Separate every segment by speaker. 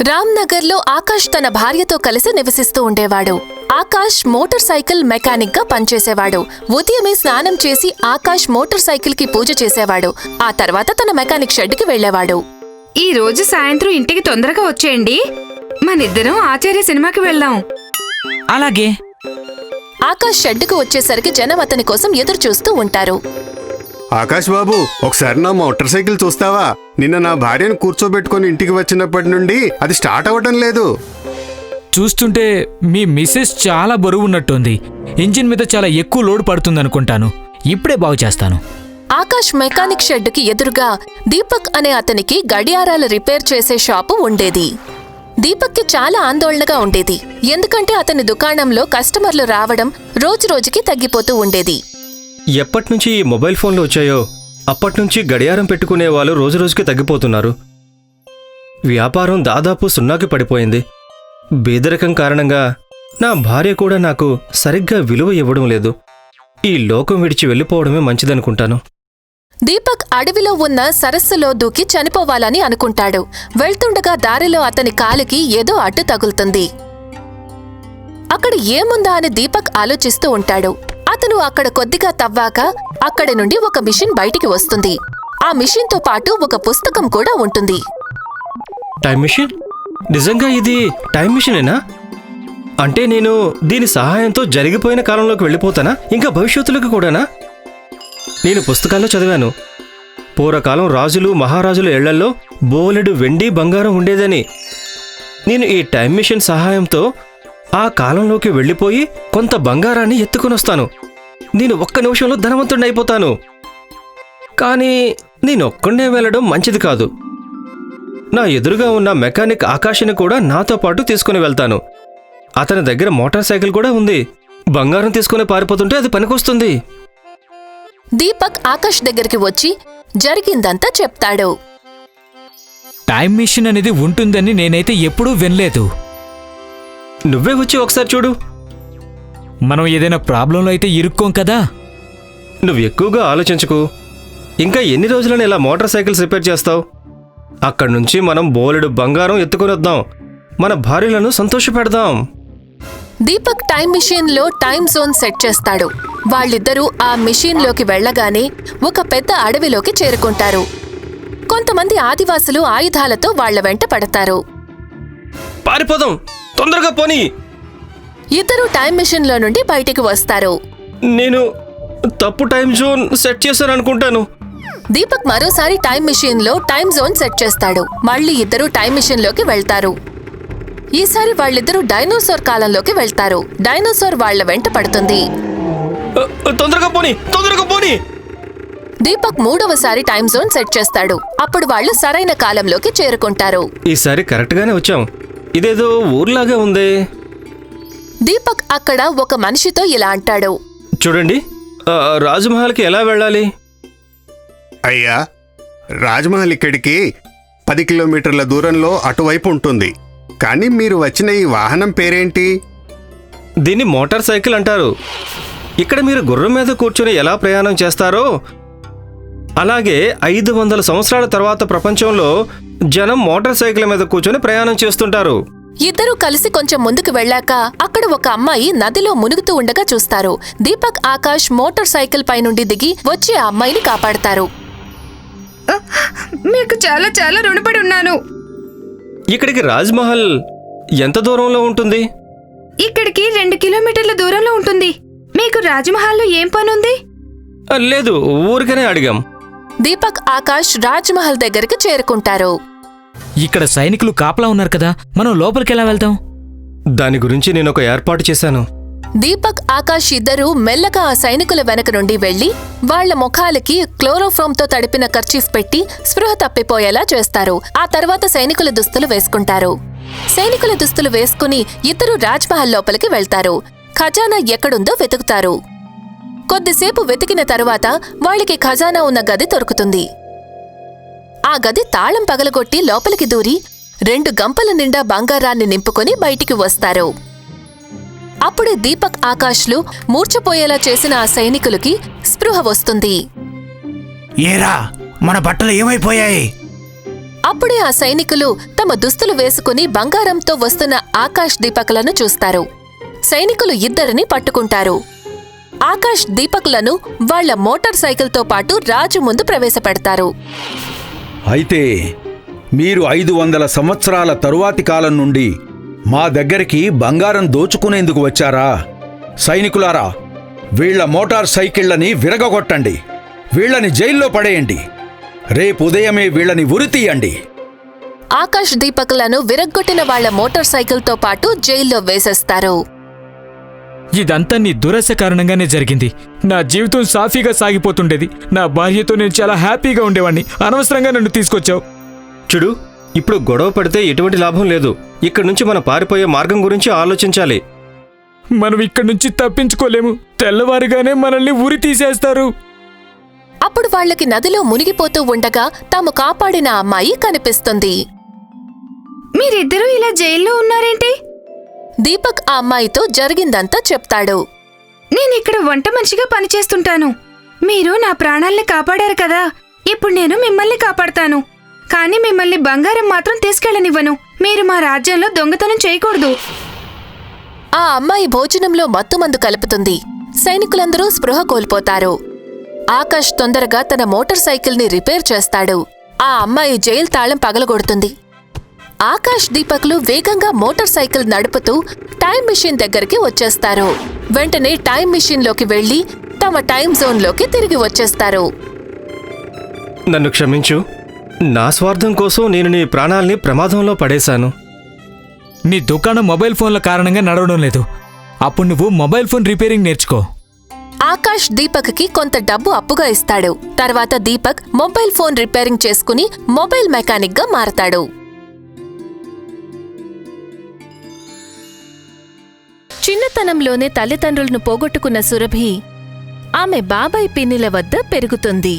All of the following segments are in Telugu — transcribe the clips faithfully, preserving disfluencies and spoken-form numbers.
Speaker 1: రామ్నగర్లో ఆకాష్ తన భార్యతో కలిసి నివసిస్తూ ఉండేవాడు. ఆకాష్ మోటార్ సైకిల్ మెకానిక్ గా పనిచేసేవాడు. ఉదయమే స్నానం చేసి ఆకాష్ మోటార్ సైకిల్ కి పూజ చేసేవాడు. ఆ తర్వాత తన మెకానిక్ షెడ్ కి వెళ్లేవాడు.
Speaker 2: ఈ రోజు సాయంత్రం ఇంటికి తొందరగా వచ్చేయండి, మనిద్దరం ఆచార్య సినిమాకి వెళ్దాం.
Speaker 3: అలాగే.
Speaker 1: ఆకాష్ షెడ్డుకు వచ్చేసరికి జనం అతని కోసం ఎదురు చూస్తూ ఉంటారు.
Speaker 4: ఆకాష్ బాబు, ఒకసారి నా మోటార్ సైకిల్ చూస్తావా? నిన్న నా భార్యను కూర్చోబెట్టుకుని ఇంటికి వచ్చినప్పటి నుండి అది స్టార్ట్ అవ్వటం లేదు.
Speaker 3: చూస్తుంటే మీ మిస్సెస్ చాలా బరువున్నట్టుంది. ఇంజిన్ మీద చాలా ఎక్కువ లోడ్ పడుతుందనుకుంటాను. ఇప్పుడే బాగు చేస్తాను.
Speaker 1: ఆకాష్ మెకానిక్ షెడ్డుకి ఎదురుగా దీపక్ అనే అతనికి గడియారాలు రిపేర్ చేసే షాపు ఉండేది. దీపక్కి చాలా ఆందోళనగా ఉండేది, ఎందుకంటే అతని దుకాణంలో కస్టమర్లు రావడం రోజురోజుకి తగ్గిపోతూ ఉండేది.
Speaker 5: ఎప్పటినుంచి ఈ మొబైల్ ఫోన్లు వచ్చాయో అప్పట్నుంచి గడియారం పెట్టుకునే వాళ్ళు రోజురోజుకి తగ్గిపోతున్నారు. వ్యాపారం దాదాపు సున్నాకి పడిపోయింది. బేదరికం కారణంగా నా భార్య కూడా నాకు సరిగ్గా విలువ ఇవ్వడం లేదు. ఈ లోకం విడిచి వెళ్ళిపోవడమే మంచిదనుకుంటాను.
Speaker 1: దీపక్ అడవిలో ఉన్న సరస్సులో దూకి చనిపోవాలని అనుకుంటాడు. వెళ్తుండగా దారిలో అతని కాలికి ఏదో అడ్డు తగులుతుంది. అక్కడ ఏముందా అని దీపక్ ఆలోచిస్తూ ఉంటాడు. అతను అక్కడ కొద్దిగా తవ్వాక అక్కడి నుండి ఒక మిషన్ బయటికి వస్తుంది. ఆ మిషన్తో పాటు ఒక పుస్తకం కూడా ఉంటుంది.
Speaker 5: Time machine? నిజంగా ఇది టైం మిషనేనా? అంటే నేను దీని సహాయంతో జరిగిపోయిన కాలంలోకి వెళ్ళిపోతానా? ఇంకా భవిష్యత్తులోకి కూడానా? నేను పుస్తకాల్లో చదివాను, పూర్వకాలం రాజులు మహారాజుల ఇళ్లల్లో బోలెడు వెండి బంగారం ఉండేదని. నేను ఈ టైం మిషన్ సహాయంతో ఆ కాలంలోకి వెళ్ళిపోయి కొంత బంగారాన్ని ఎత్తుకునొస్తాను. నేను ఒక్క నిమిషంలో ధనవంతుడిని అయిపోతాను. కానీ నేనొక్కడే వెళ్ళడం మంచిది కాదు. నా ఎదురుగా ఉన్న మెకానిక్ ఆకాష్ని కూడా నాతో పాటు తీసుకుని వెళ్తాను. అతని దగ్గర మోటార్ సైకిల్ కూడా ఉంది. బంగారం తీసుకుని పారిపోతుంటే అది పనికొస్తుంది.
Speaker 1: దీపక్ ఆకాష్ దగ్గరికి వచ్చి జరిగిందంతా చెప్తాడు.
Speaker 3: టైం మిషన్ అనేది ఉంటుందని నేనైతే ఎప్పుడూ వినలేదు.
Speaker 5: నువ్వే వచ్చి ఒకసారి చూడు.
Speaker 3: మనం ఏదైనా ప్రాబ్లంలో అయితే ఇరుక్కోం కదా.
Speaker 5: నువ్వు ఎక్కువగా ఆలోచించకు. ఇంకా ఎన్ని రోజులని ఇలా మోటార్ సైకిల్స్ రిపేర్ చేస్తావు? అక్కడి నుంచి మనం బోలెడు బంగారం ఎత్తుకొని వద్దాం. మన భార్యలను సంతోషపెడదాం.
Speaker 1: దీపక్ టైం మిషన్ లో టైం జోన్ సెట్ చేస్తాడు. వాళ్ళిద్దరూ ఆ మిషన్ లోకి వెళ్లగానే ఒక పెద్ద అడవిలోకి చేరుకుంటారు. కొంతమంది ఆదివాసులు ఆయుధాలతో వాళ్ల వెంట పడతారు.
Speaker 5: పారిపోదాం, తొందరగా పోనీ.
Speaker 1: ఇద్దరు టైం మిషన్ లో నుండి బయటికి వస్తారు.
Speaker 5: నేను తప్పు టైం జోన్ సెట్ చేశాను అనుకుంటాను.
Speaker 1: దీపక్ మరోసారి టైం మిషన్ లో టైం జోన్ సెట్ చేస్తాడు. మళ్లీ ఇద్దరు టైం మిషన్ లోకి వెళ్తారు. ఈసారి వాళ్ళిద్దరూ డైనోసార్ కాలంలోకి వెళ్తారు. డైనోసార్ వాళ్ల వెంట పడుతుంది.
Speaker 5: తొందరగా పోనీ, తొందరగా పోనీ.
Speaker 1: దీపక్ మూడవసారి టైం జోన్ సెట్ చేస్తాడు. అప్పుడు వాళ్ళు సరైన కాలంలోకి చేరుకుంటారు.
Speaker 5: ఈసారి కరెక్ట్ గానే వచ్చాం. ఇదేదో ఊర్లాగా ఉందే.
Speaker 1: దీపక్ అక్కడ ఒక మనిషితో ఇలా అంటాడు.
Speaker 5: చూడండి, రాజమహల్కి ఎలా వెళ్ళాలి?
Speaker 4: అయ్యా, రాజ్మహల్ ఇక్కడికి పది కిలోమీటర్ల దూరంలో అటువైపు ఉంటుంది. కానీ మీరు వచ్చిన ఈ వాహనం పేరేంటి?
Speaker 5: దీన్ని మోటార్ సైకిల్ అంటారు. ఇక్కడ మీరు గుర్రం మీద కూర్చొని ఎలా ప్రయాణం చేస్తారో అలాగే ఐదు వందల సంవత్సరాల తర్వాత ప్రపంచంలో జనం మోటార్ సైకిల్ మీద కూర్చొని ప్రయాణం చేస్తుంటారు.
Speaker 1: ఇద్దరూ కలిసి కొంచెం ముందుకు వెళ్ళాక అక్కడ ఒక అమ్మాయి నదిలో మునుగుతూ ఉండగా చూస్తారు. దీపక్ ఆకాష్ మోటార్ సైకిల్ పై నుండి దిగి వచ్చి ఆ అమ్మాయిని కాపాడతారు.
Speaker 2: మీకు చాలా చాలా రుణపడి ఉన్నాను.
Speaker 5: ఇక్కడికి రాజ్మహల్ ఎంత దూరంలో ఉంటుంది?
Speaker 2: ఇక్కడికి రెండు కిలోమీటర్ల దూరంలో ఉంటుంది. మీకు రాజ్మహల్లో ఏం పనుంది?
Speaker 5: లేదు, ఊరికనే అడిగాం.
Speaker 1: దీపక్ ఆకాష్ రాజ్మహల్ దగ్గరికి చేరుకుంటారు.
Speaker 3: ఇక్కడ సైనికులు కాపలా ఉన్నారు కదా, మనం లోపలికెలా వెళ్తాం?
Speaker 5: దాని గురించి నేను ఒక ఏర్పాటు చేశాను.
Speaker 1: దీపక్ ఆకాష్ ఇద్దరూ మెల్లగా ఆ సైనికుల వెనక నుండి వెళ్లి వాళ్ల ముఖాలకి క్లోరోఫామ్ తో తడిపిన కర్చీఫ్ పెట్టి స్పృహ తప్పిపోయేలా చేస్తారు. ఆ తర్వాత సైనికుల దుస్తులు వేసుకుంటారు. సైనికుల దుస్తులు వేసుకుని ఇద్దరు రాజ్మహల్ లోపలికి వెళ్తారు. ఖజానా ఎక్కడుందో వెతుకుతారు. కొద్దిసేపు వెతికిన తరువాత వాళ్ళకి ఖజానా ఉన్న గది దొరుకుతుంది. ఆ గది తాళం పగలగొట్టి లోపలికి దూరి రెండు గంపల నిండా బంగారాన్ని నింపుకొని బయటికి వస్తారు. అప్పుడే దీపక్ ఆకాష్లు మూర్ఛపోయేలా చేసిన ఆ సైనికులకి స్పృహ వస్తుంది.
Speaker 6: ఏరా, మన బట్టలు ఏమైపోయాయి?
Speaker 1: అప్పుడే ఆ సైనికులు తమ దుస్తులు వేసుకుని బంగారంతో వస్తున్న ఆకాష్ దీపకులను చూస్తారు. సైనికులు ఇద్దరిని పట్టుకుంటారు. ఆకాష్ దీపకులను వాళ్ల మోటార్ సైకిల్తో పాటు రాజు ముందు ప్రవేశపెడతారు.
Speaker 6: అయితే మీరు ఐదు వందల సంవత్సరాల తరువాతి కాలం నుండి మా దగ్గరికి బంగారం దోచుకునేందుకు వచ్చారా? సైనికులారా, వీళ్ల మోటార్ సైకిళ్లని విరగగొట్టండి, వీళ్లని జైల్లో పడేయండి, రేపు ఉదయమే వీళ్లని ఉరితీయండి.
Speaker 1: ఆకాష్ దీపకులను విరగ్గొట్టిన వాళ్ల మోటార్ సైకిల్తో పాటు జైల్లో వేసేస్తారు.
Speaker 3: ఇదంతా నీ దురాశ కారణంగానే జరిగింది. నా జీవితం సాఫీగా సాగిపోతుండేది. నా భార్యతో నేను చాలా హ్యాపీగా ఉండేవాణ్ణి. అనవసరంగా నన్ను తీసుకొచ్చావు.
Speaker 5: చూడు, ఇప్పుడు గొడవ పడితే ఎటువంటి లాభం లేదు. ఇక్కడి నుంచి మనం పారిపోయే మార్గం గురించి ఆలోచించాలి.
Speaker 3: మనం ఇక్కడి నుంచి తప్పించుకోలేము. తెల్లవారుగానే మనల్ని ఉరి తీసేస్తారు.
Speaker 1: అప్పుడు వాళ్లకి నదిలో మునిగిపోతూ ఉండగా తాము కాపాడిన అమ్మాయి కనిపిస్తుంది.
Speaker 2: మీరిద్దరూ ఇలా జైల్లో ఉన్నారేంటి?
Speaker 1: దీపక్ ఆ అమ్మాయితో జరిగిందంతా చెప్తాడు.
Speaker 2: నేనిక్కడ వంట మనిషిగా పనిచేస్తుంటాను. మీరు నా ప్రాణాల్ని కాపాడారు కదా, ఇప్పుడు నేను మిమ్మల్ని కాపాడతాను. కానీ మిమ్మల్ని బంగారం మాత్రం తీసుకెళ్లనివ్వను. మీరు మా రాజ్యంలో దొంగతనం చేయకూడదు.
Speaker 1: ఆ అమ్మాయి భోజనంలో మత్తుమందు కలుపుతుంది. సైనికులందరూ స్పృహ కోల్పోతారు. ఆకాష్ తొందరగా తన మోటార్ సైకిల్ని రిపేర్ చేస్తాడు. ఆ అమ్మాయి జైలు తాళం పగలగొడుతుంది. ఆకాష్ దీపక్లు వేగంగా మోటార్ సైకిల్ నడుపుతూ టైం మిషన్ దగ్గరికి వచ్చేస్తారు. వెంటనే టైం మిషన్లోకి వెళ్లి తమ టైం జోన్లోకి తిరిగి వచ్చేస్తారు.
Speaker 5: నన్ను క్షమించు. నా స్వార్థం కోసం నేను నీ ప్రాణాల్ని ప్రమాదంలో పడేశాను.
Speaker 3: నీ దుకాణం మొబైల్ ఫోన్ల కారణంగా నడవడం లేదు. అప్పుడు నువ్వు మొబైల్ ఫోన్ రిపేరింగ్ నేర్చుకో.
Speaker 1: ఆకాష్ దీపక్కి కొంత డబ్బు అప్పుగా ఇస్తాడు. తర్వాత దీపక్ మొబైల్ ఫోన్ రిపేరింగ్ చేసుకుని మొబైల్ మెకానిక్ గా మారతాడు. చిన్నతనంలోనే తల్లిదండ్రులను పోగొట్టుకున్న సురభి ఆమె బాబాయ్ పిన్నిల వద్ద పెరుగుతుంది.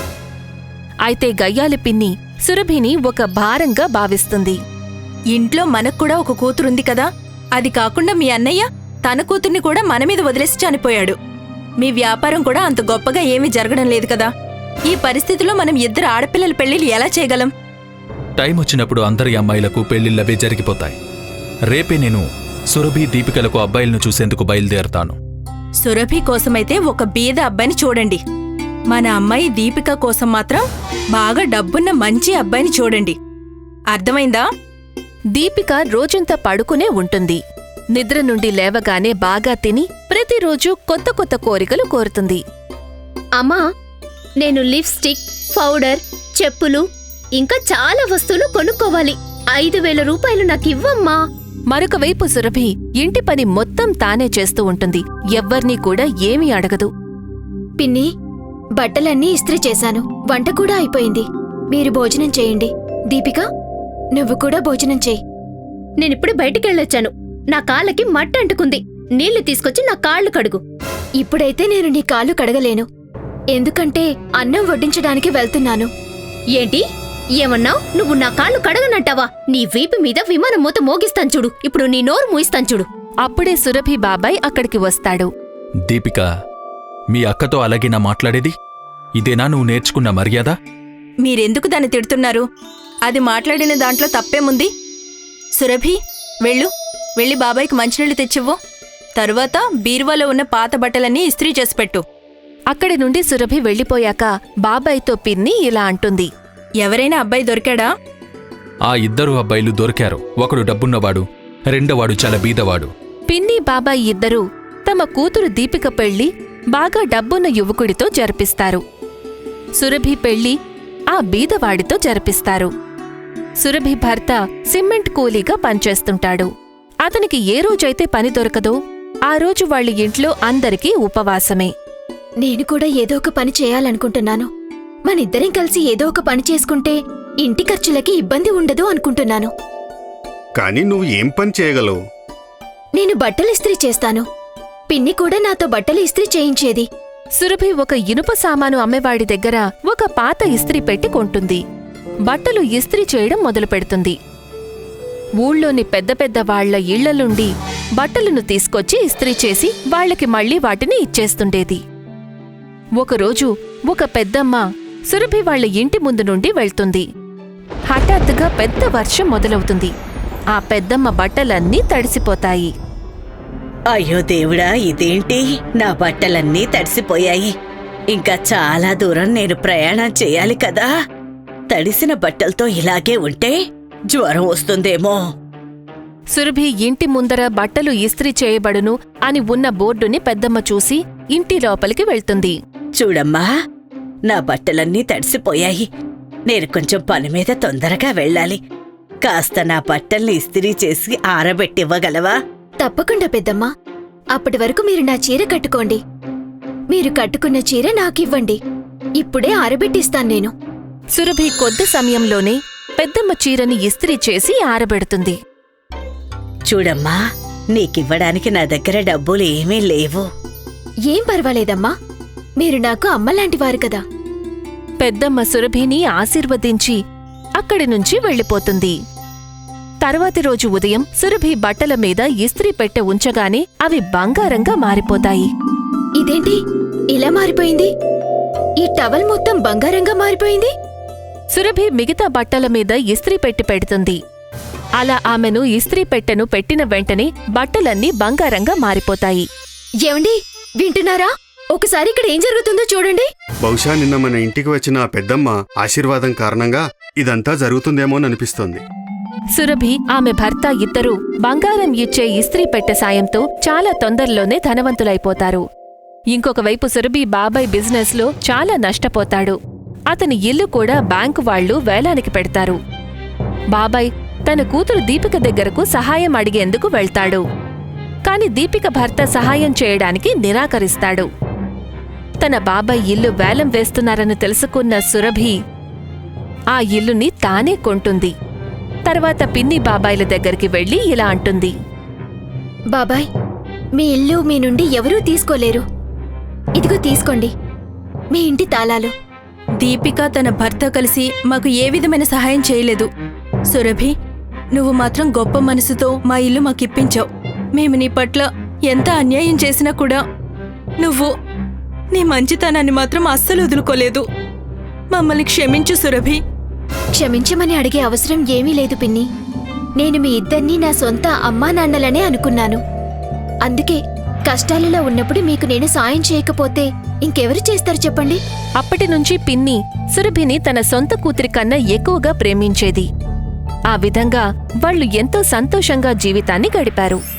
Speaker 1: అయితే గయ్యాలి పిన్ని సురభిని ఒక భారంగా భావిస్తుంది.
Speaker 7: ఇంట్లో మనక్కూడా ఒక కూతురుంది కదా, అది కాకుండా మీ అన్నయ్య తన కూతుర్ని కూడా మనమీద వదిలేసి చనిపోయాడు. మీ వ్యాపారం కూడా అంత గొప్పగా ఏమీ జరగడం లేదు కదా. ఈ పరిస్థితిలో మనం ఇద్దరు ఆడపిల్లల పెళ్లిళ్ళు ఎలా చేయగలం?
Speaker 8: టైం వచ్చినప్పుడు అందరి అమ్మాయిలకు పెళ్లిళ్ళవే జరిగిపోతాయి. రేపే నేను సురభి దీపికలకు అబ్బాయిలను చూసేందుకు బయలుదేరతాను.
Speaker 7: సురభి కోసమైతే ఒక బీద అబ్బాయిని చూడండి. మన అమ్మాయి దీపిక కోసం మాత్రం బాగా డబ్బున్న మంచి అబ్బాయిని చూడండి. అర్థమైందా?
Speaker 1: దీపిక రోజంతా పడుకునే ఉంటుంది. నిద్ర నుండి లేవగానే బాగా తిని ప్రతిరోజు కొత్త కొత్త కోరికలు కోరుతుంది.
Speaker 9: అమ్మా, నేను లిప్స్టిక్, పౌడర్, చెప్పులు ఇంకా చాలా వస్తువులు కొనుక్కోవాలి. ఐదు వేల రూపాయలు నాకివ్వమ్మా.
Speaker 1: మరొక వైపు సురభి ఇంటి పని మొత్తం తానే చేస్తూ ఉంటుంది. ఎవ్వర్నీ కూడా ఏమీ అడగదు.
Speaker 9: పిన్ని, బట్టలన్నీ ఇస్త్రీ చేశాను, వంట కూడా అయిపోయింది. మీరు భోజనం చేయండి. దీపిక, నువ్వు కూడా భోజనం చేయి. నేనిప్పుడు బయటికెళ్ళొచ్చాను. నా కాళ్ళకి మట్టి అంటుకుంది. నీళ్లు తీసుకొచ్చి నా కాళ్ళు కడుగు. ఇప్పుడైతే నేను నీ కాళ్ళు కడగలేను, ఎందుకంటే అన్నం వడ్డించడానికి వెళ్తున్నాను. ఏంటి ఏమన్నావ్? నువ్వు నా కాళ్ళు కడగనంటావా? నీ వీపు మీద విమానం మూత మోగిస్తాను చూడు. ఇప్పుడు నీ నోరు మూయిస్తాను చూడు.
Speaker 1: అప్పుడే సురభి బాబాయ్ అక్కడికి వస్తాడు.
Speaker 8: దీపిక, మీ అక్కతో అలాగేనా మాట్లాడేది? ఇదేనా నువ్వు నేర్చుకున్న మర్యాద?
Speaker 7: మీరెందుకు దాన్ని తిడుతున్నారు? అది మాట్లాడిన దాంట్లో తప్పేముంది? సురభి, వెళ్ళు. వెళ్ళి బాబాయ్కి మంచినీళ్లు తెచ్చివ్వు. తరువాత బీరువాలో ఉన్న పాత బట్టలన్నీ ఇస్త్రీ చేసి పెట్టు.
Speaker 1: అక్కడి నుండి సురభి వెళ్లిపోయాక బాబాయ్తో పిన్ని ఇలా అంటుంది.
Speaker 7: ఎవరైనా అబ్బాయి దొరికాడా?
Speaker 8: ఆ ఇద్దరు అబ్బాయిలు దొరికారు. ఒకడు డబ్బున్నవాడు, రెండోవాడు చాలా బీదవాడు.
Speaker 1: పిన్ని బాబాయ్ ఇద్దరూ తమ కూతురు దీపిక పెళ్లి బాగా డబ్బున్న యువకుడితో జరిపిస్తారు. సురభి పెళ్లి ఆ బీదవాడితో జరిపిస్తారు. సురభి భర్త సిమెంట్ కూలీగా పనిచేస్తుంటాడు. అతనికి ఏ రోజైతే పని దొరకదో ఆ రోజు వాళ్ళ ఇంట్లో అందరికీ ఉపవాసమే.
Speaker 9: నేను కూడా ఏదో ఒక పని చేయాలనుకుంటున్నాను. మనిద్దరం కలిసి ఏదో ఒక పని చేసుకుంటే ఇంటి ఖర్చులకి ఇబ్బంది ఉండదు అనుకుంటున్నాను.
Speaker 4: కానీ నువ్వు ఏం పని చేయగలవు?
Speaker 9: నేను బట్టలు ఇస్త్రీ చేస్తాను. పిన్ని కూడా నాతో బట్టలు ఇస్త్రీ చేయించేది.
Speaker 1: సురభి ఒక ఇనుప సామాను అమ్మేవాడి దగ్గర ఒక పాత ఇస్త్రీ పెట్టి కొంటుంది. బట్టలు ఇస్త్రీ చేయడం మొదలుపెడుతుంది. ఊళ్ళోని పెద్ద పెద్ద వాళ్ల ఇళ్లలుండి బట్టలను తీసుకొచ్చి ఇస్త్రీ చేసి వాళ్లకి మళ్లీ వాటిని ఇచ్చేస్తుండేది. ఒకరోజు ఒక పెద్దమ్మ సురభి వాళ్ల ఇంటి ముందు నుండి వెళ్తుంది. హఠాత్తుగా పెద్ద వర్షం మొదలవుతుంది. ఆ పెద్దమ్మ బట్టలన్నీ తడిసిపోతాయి.
Speaker 10: అయ్యో దేవుడా, ఇదేంటి? నా బట్టలన్నీ తడిసిపోయాయి. ఇంకా చాలా దూరం నేను ప్రయాణం చేయాలి కదా. తడిసిన బట్టలతో ఇలాగే ఉంటే జ్వరం వస్తుందేమో.
Speaker 1: సురభి ఇంటి ముందర బట్టలు ఇస్త్రీ చేయబడును అని ఉన్న బోర్డుని పెద్దమ్మ చూసి ఇంటి లోపలికి వెళ్తుంది.
Speaker 10: చూడమ్మా, నా బట్టలన్నీ తడిసిపోయాయి. నేను కొంచెం పని మీద తొందరగా వెళ్ళాలి. కాస్త నా బట్టల్ని ఇస్త్రీ చేసి ఆరబెట్టివ్వగలవా?
Speaker 9: తప్పకుండా పెద్దమ్మా. అప్పటి వరకు మీరు నా చీర కట్టుకోండి. మీరు కట్టుకున్న చీర నాకివ్వండి. ఇప్పుడే ఆరబెట్టిస్తాను నేను.
Speaker 1: సురభి కొద్ది సమయంలోనే పెద్దమ్మ చీరని ఇస్త్రీ చేసి ఆరబెడుతుంది.
Speaker 10: చూడమ్మా, నీకివ్వడానికి నా దగ్గర డబ్బులు ఏమీ లేవు.
Speaker 9: ఏం పర్వాలేదమ్మా, మీరు నాకు అమ్మలాంటివారు కదా.
Speaker 1: పెద్దమ్మ సురభిని ఆశీర్వదించి అక్కడి నుంచి వెళ్ళిపోతుంది. తర్వాతి రోజు ఉదయం సురభి బట్టల మీద ఇస్త్రీ పెట్టె ఉంచగానే అవి బంగారంగా మారిపోతాయి.
Speaker 9: ఇదేంటి ఇలా మారిపోయింది? ఈ టవల్ మొత్తం బంగారంగా మారిపోయింది.
Speaker 1: సురభి మిగతా బట్టల మీద ఇస్త్రీ పెట్టి పెడుతుంది. అలా ఆమెను ఇస్త్రీ పెట్టెను పెట్టిన వెంటనే బట్టలన్నీ బంగారంగా మారిపోతాయి.
Speaker 9: ఏమండి, వింటున్నారా? ఒకసారి ఇక్కడ ఏం జరుగుతుందో చూడండి.
Speaker 4: బహుశా నిన్న మన ఇంటికి వచ్చిన ఆ పెద్దమ్మ ఆశీర్వాదం కారణంగా ఇదంతా జరుగుతుందేమోననిపిస్తోంది.
Speaker 1: సురభి ఆమె భర్త ఇద్దరూ బంగారం ఇచ్చే ఇస్త్రీ పెట్టె సాయంతో చాలా తొందరలోనే ధనవంతులైపోతారు. ఇంకొక వైపు సురభి బాబాయ్ బిజినెస్లో చాలా నష్టపోతాడు. అతని ఇల్లు కూడా బ్యాంకు వాళ్లు వేలానికి పెడతారు. బాబాయ్ తన కూతురు దీపిక దగ్గరకు సహాయం అడిగేందుకు వెళ్తాడు. కాని దీపిక భర్త సహాయం చేయడానికి నిరాకరిస్తాడు. తన బాబాయ్ ఇల్లు వేలం వేస్తున్నారని తెలుసుకున్న సురభి ఆ ఇల్లుని తానే కొంటుంది. తర్వాత పిన్ని బాబాయ్ల దగ్గరికి వెళ్లి ఇలా అంటుంది.
Speaker 9: బాబాయ్, మీ ఇల్లు మీ నుండి ఎవరూ తీసుకోలేరు. ఇదిగో తీసుకోండి, మీ ఇంటి తాళాలు.
Speaker 7: దీపిక తన భర్త కలిసి మాకు ఏ విధమైన సహాయం చేయలేదు. సురభి, నువ్వు మాత్రం గొప్ప మనసుతో మా ఇల్లు మాకిప్పించావు. మేము నీ పట్ల ఎంత అన్యాయం చేసినా కూడా నువ్వు నీ మంచితనాన్ని మాత్రం అస్సలు వదులుకోలేదు. మమ్మల్ని క్షమించు సురభి.
Speaker 9: క్షమించమని అడిగే అవసరం ఏమీ లేదు పిన్ని. నేను మీ ఇద్దరినీ నా సొంత అమ్మా నాన్నలనే అనుకున్నాను. అందుకే కష్టాలలో ఉన్నప్పుడు మీకు నేను సాయం చేయకపోతే ఇంకెవరు చేస్తారు చెప్పండి?
Speaker 1: అప్పటినుంచి పిన్ని సురభిని తన సొంత కూతురి కన్నా ఎక్కువగా ప్రేమించేది. ఆ విధంగా వాళ్లు ఎంతో సంతోషంగా జీవితాన్ని గడిపారు.